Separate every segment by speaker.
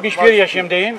Speaker 1: 71 yaşındayım.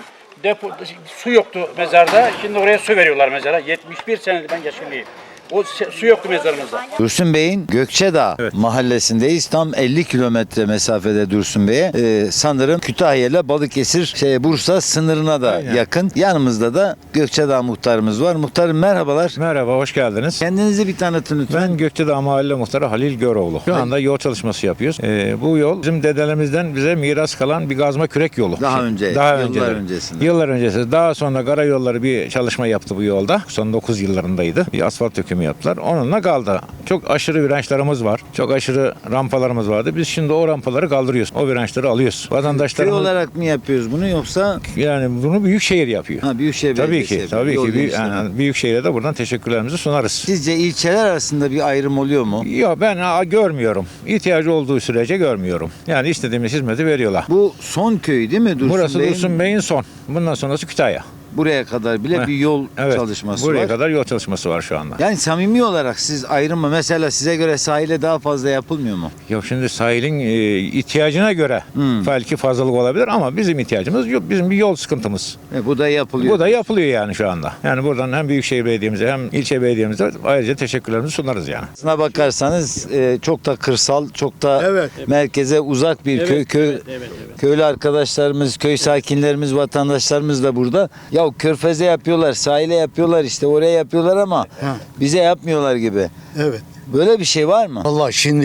Speaker 1: Su yoktu mezarda. Şimdi oraya su veriyorlar mezara. 71 senedir ben yaşındayım. O su yoktu mezarımızda.
Speaker 2: Dursun Bey'in Gökçedağ mahallesindeyiz. Tam 50 kilometre mesafede Dursun Bey'e. Sanırım Kütahya ile Balıkesir, Bursa sınırına da yakın. Yanımızda da Gökçedağ muhtarımız var. Muhtarım merhabalar.
Speaker 3: Merhaba, hoş geldiniz.
Speaker 2: Kendinizi bir tanıtın lütfen.
Speaker 3: Ben Gökçedağ Mahalle Muhtarı Halil Göroğlu. Şu anda yol çalışması yapıyoruz. Bu yol bizim dedelerimizden bize miras kalan bir kazma kürek yolu.
Speaker 2: Daha önce, yıllar öncesinde.
Speaker 3: Yıllar öncesi. Daha sonra karayolları bir çalışma yaptı bu yolda. Son 9 yıllarındaydı. Bir asfalt dökümü yaptılar. Onunla kaldı. Çok aşırı virajlarımız var. Çok aşırı rampalarımız vardı. Biz şimdi o rampaları kaldırıyoruz. O virajları alıyoruz.
Speaker 2: Köy
Speaker 3: Vatandaşlarımız
Speaker 2: olarak mı yapıyoruz bunu yoksa?
Speaker 3: yani bunu Büyükşehir yapıyor.
Speaker 2: Ha, Büyükşehir
Speaker 3: Tabii
Speaker 2: Belediyesi
Speaker 3: ki.
Speaker 2: yapıyor.
Speaker 3: Tabii
Speaker 2: Yol
Speaker 3: ki.
Speaker 2: genişleme.
Speaker 3: Yani Büyükşehir'e de buradan teşekkürlerimizi sunarız.
Speaker 2: Sizce ilçeler arasında bir ayrım oluyor mu?
Speaker 3: Yok, ben görmüyorum. İhtiyacı olduğu sürece görmüyorum. Yani istediğimiz hizmeti veriyorlar.
Speaker 2: Bu son köy değil mi Dursun
Speaker 3: Burası
Speaker 2: Bey'in?
Speaker 3: Dursun Bey'in son. Bundan sonrası Kütahya.
Speaker 2: Buraya kadar bile bir yol çalışması
Speaker 3: buraya
Speaker 2: var.
Speaker 3: kadar yol çalışması var şu anda.
Speaker 2: Yani samimi olarak siz ayrım mı? Mesela size göre sahile daha fazla yapılmıyor mu?
Speaker 3: Yok, şimdi sahilin ihtiyacına göre belki fazlalık olabilir ama bizim ihtiyacımız yok. Bizim bir yol sıkıntımız.
Speaker 2: Bu da yapılıyor.
Speaker 3: Bu da yapılıyor yani şu anda. Yani buradan hem Büyükşehir Belediye'mize hem ilçe belediyemize ayrıca teşekkürlerimizi sunarız yani.
Speaker 2: Aslına bakarsanız çok da kırsal, çok da merkeze uzak bir köy. Köylü arkadaşlarımız, köy sakinlerimiz, vatandaşlarımız da burada. Ya Körfez'e yapıyorlar, sahile yapıyorlar, işte oraya yapıyorlar ama bize yapmıyorlar gibi.
Speaker 4: Evet.
Speaker 2: Böyle bir şey var mı?
Speaker 4: Vallahi şimdi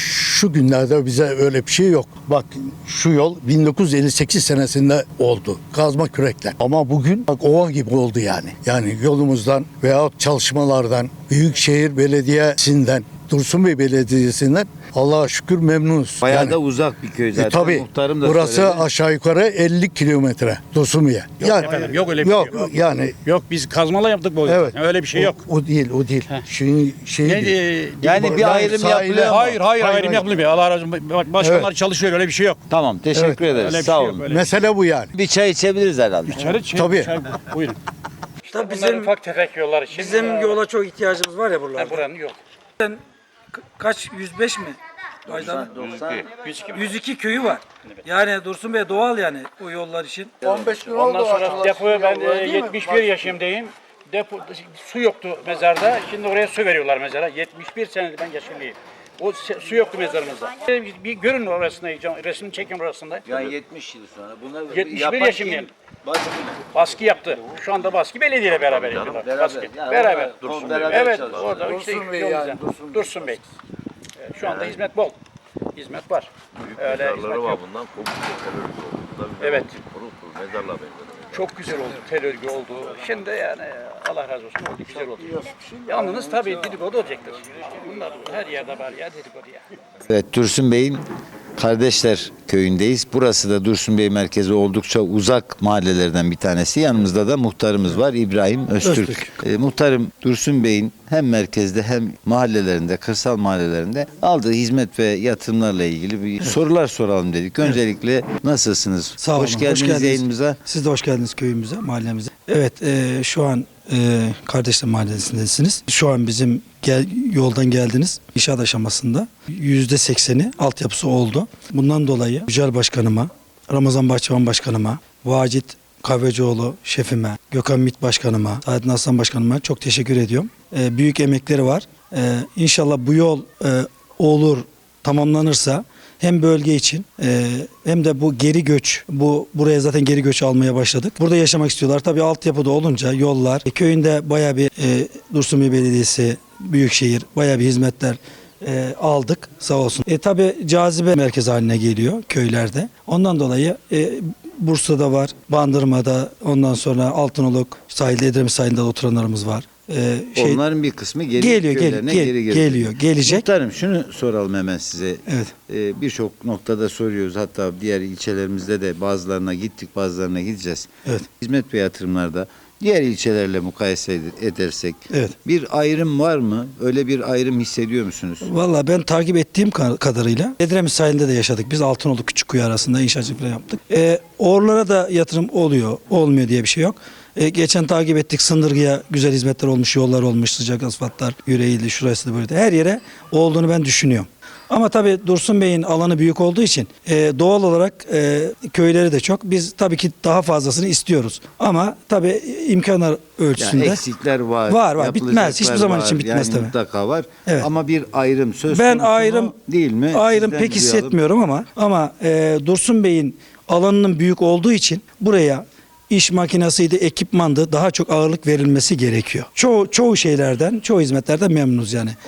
Speaker 4: şu günlerde bize öyle bir şey yok. Bak şu yol 1958 senesinde oldu. Kazma kürekle. Ama bugün bak ova gibi oldu yani. Yani yolumuzdan veyahut çalışmalardan, Büyükşehir Belediyesi'nden, Dursun Bey Belediyesi'nden Allah'a şükür memnunuz.
Speaker 2: Bayağı
Speaker 4: yani,
Speaker 2: da uzak bir köy zaten.
Speaker 4: tabii.
Speaker 2: Muhtarım da
Speaker 4: Burası
Speaker 2: söyledi.
Speaker 4: aşağı yukarı 50 kilometre Dursun Bey'e. Yani,
Speaker 1: efendim, yok öyle bir
Speaker 4: yok,
Speaker 1: şey yok.
Speaker 4: yani
Speaker 1: Yok, biz kazmalı yaptık bu yolu.
Speaker 4: evet.
Speaker 1: Öyle bir şey yok.
Speaker 4: O değil. Şey değil.
Speaker 2: Yani bir ayrım yapılıyor mu?
Speaker 1: Hayır, ayrım yapılmıyor. Allah razı olsun. Başkanlar çalışıyor, öyle bir şey yok.
Speaker 2: Tamam, teşekkür ederiz.
Speaker 1: Öyle bir
Speaker 2: Sağ
Speaker 1: şey
Speaker 2: olun.
Speaker 1: yok, öyle.
Speaker 4: Mesele bu yani.
Speaker 2: Bir çay içebiliriz herhalde.
Speaker 4: Tabii.
Speaker 1: Buyurun.
Speaker 5: Tabii
Speaker 1: Bunlar
Speaker 5: bizim
Speaker 1: ufak tefek yollar. Şimdi
Speaker 5: bizim yola çok ihtiyacımız var ya buralarda.
Speaker 1: buranın yok.
Speaker 5: Kaç 105 mi? Aydan 102 köyü var. Yani Dursun Bey doğal yani o yollar için.
Speaker 4: 15 gün
Speaker 1: Ondan sonra depoya ben 71 yaşındayım. Su yoktu mezarda. Şimdi oraya su veriyorlar mezara. 71 senedir ben yaşındayım. O su yoktu mezarımızda. Bir görün orasında, resmini çekin orasında.
Speaker 2: Yani 70 yıl sonra. Bunlar
Speaker 1: 71 yaşındayım. Baskı yaptı. Şu anda baskı belediyeyle beraber yapıyorlar. Baskı. Beraber. Evet, orada işte Dursun Bey. Şu anda hizmet bol. Hizmet var. Öyle hizmet
Speaker 6: Mezarları var
Speaker 1: yok.
Speaker 6: bundan. Komple tel örgü oldu.
Speaker 1: Evet.
Speaker 6: Kurul mezarla benziyor.
Speaker 1: Çok güzel oldu. Tel örgü oldu. Şimdi yani Allah razı olsun oldu. Güzel oldu. Yalnız tabii dedikodu olacaktır. Bunlar her yerde var ya dedikodu ya.
Speaker 2: Evet, Dursun Bey'in Kardeşler köyündeyiz. Burası da Dursun Bey merkezi oldukça uzak mahallelerden bir tanesi. Yanımızda da muhtarımız var, İbrahim Öztürk. Muhtarım, Dursun Bey'in hem merkezde hem mahallelerinde, kırsal mahallelerinde aldığı hizmet ve yatırımlarla ilgili bir sorular soralım dedik. Öncelikle nasılsınız?
Speaker 7: Sağ olun.
Speaker 2: Hoş geldiniz yayınımıza.
Speaker 7: Siz de hoş geldiniz köyümüze, mahallemize. Evet, şu an Kardeşler Mahallesi'ndesiniz. Şu an bizim yoldan geldiniz. İnşaat aşamasında %80'i altyapısı oldu. Bundan dolayı Yücel Başkanıma, Ramazan Bahçıvan Başkanıma, Vacit Kahvecioğlu şefime, Gökhan MİT Başkanıma, Saadettin Aslan Başkanıma çok teşekkür ediyorum. Büyük emekleri var. İnşallah bu yol olur, tamamlanırsa hem bölge için hem de bu geri göç, buraya zaten geri göç almaya başladık. Burada yaşamak istiyorlar. Tabii altyapıda olunca yollar, köyünde bayağı bir Dursun Bey Belediyesi, Büyükşehir bayağı bir hizmetler aldık sağ olsun. Tabii cazibe merkezi haline geliyor köylerde. Ondan dolayı Bursa'da var, Bandırma'da, ondan sonra Altınoluk sahilde, Edremit sahilinde oturanlarımız var.
Speaker 2: Onların bir kısmı geliyor,
Speaker 7: gelecek.
Speaker 2: Muhtarım, şunu soralım hemen size.
Speaker 7: Evet.
Speaker 2: Birçok noktada soruyoruz. Hatta diğer ilçelerimizde de bazılarına gittik, bazılarına gideceğiz.
Speaker 7: Evet.
Speaker 2: Hizmet ve yatırımlarda diğer ilçelerle mukayese edersek
Speaker 7: Evet.
Speaker 2: bir ayrım var mı? Öyle bir ayrım hissediyor musunuz?
Speaker 7: Valla ben takip ettiğim kadarıyla Edremit sahilinde de yaşadık. Biz Altınoluk Küçükkuyu arasında inşaatçılık falan yaptık. Oralara da yatırım oluyor, olmuyor diye bir şey yok. Geçen takip ettik, Sındırgı'ya güzel hizmetler olmuş, yollar olmuş, sıcak asfaltlar, yüreğiydi, şurası da böyle. Her yere olduğunu ben düşünüyorum. Ama tabii Dursun Bey'in alanı büyük olduğu için doğal olarak köyleri de çok. Biz tabii ki daha fazlasını istiyoruz. Ama tabii imkanlar ölçüsünde.
Speaker 2: Yani eksikler var.
Speaker 7: Var. Bitmez.
Speaker 2: yapılacaklar
Speaker 7: Hiçbir zaman
Speaker 2: var.
Speaker 7: için bitmez
Speaker 2: yani
Speaker 7: tabii.
Speaker 2: Mutlaka var.
Speaker 7: Evet.
Speaker 2: Ama bir ayrım söz
Speaker 7: Ben
Speaker 2: konusu mu,
Speaker 7: ayrım
Speaker 2: değil mi?
Speaker 7: Ayrım
Speaker 2: Sizden
Speaker 7: pek
Speaker 2: duyalım.
Speaker 7: hissetmiyorum ama Dursun Bey'in alanının büyük olduğu için buraya iş makinasıydı, ekipmandı daha çok ağırlık verilmesi gerekiyor. Çoğu şeylerden, çoğu hizmetlerden memnunuz yani.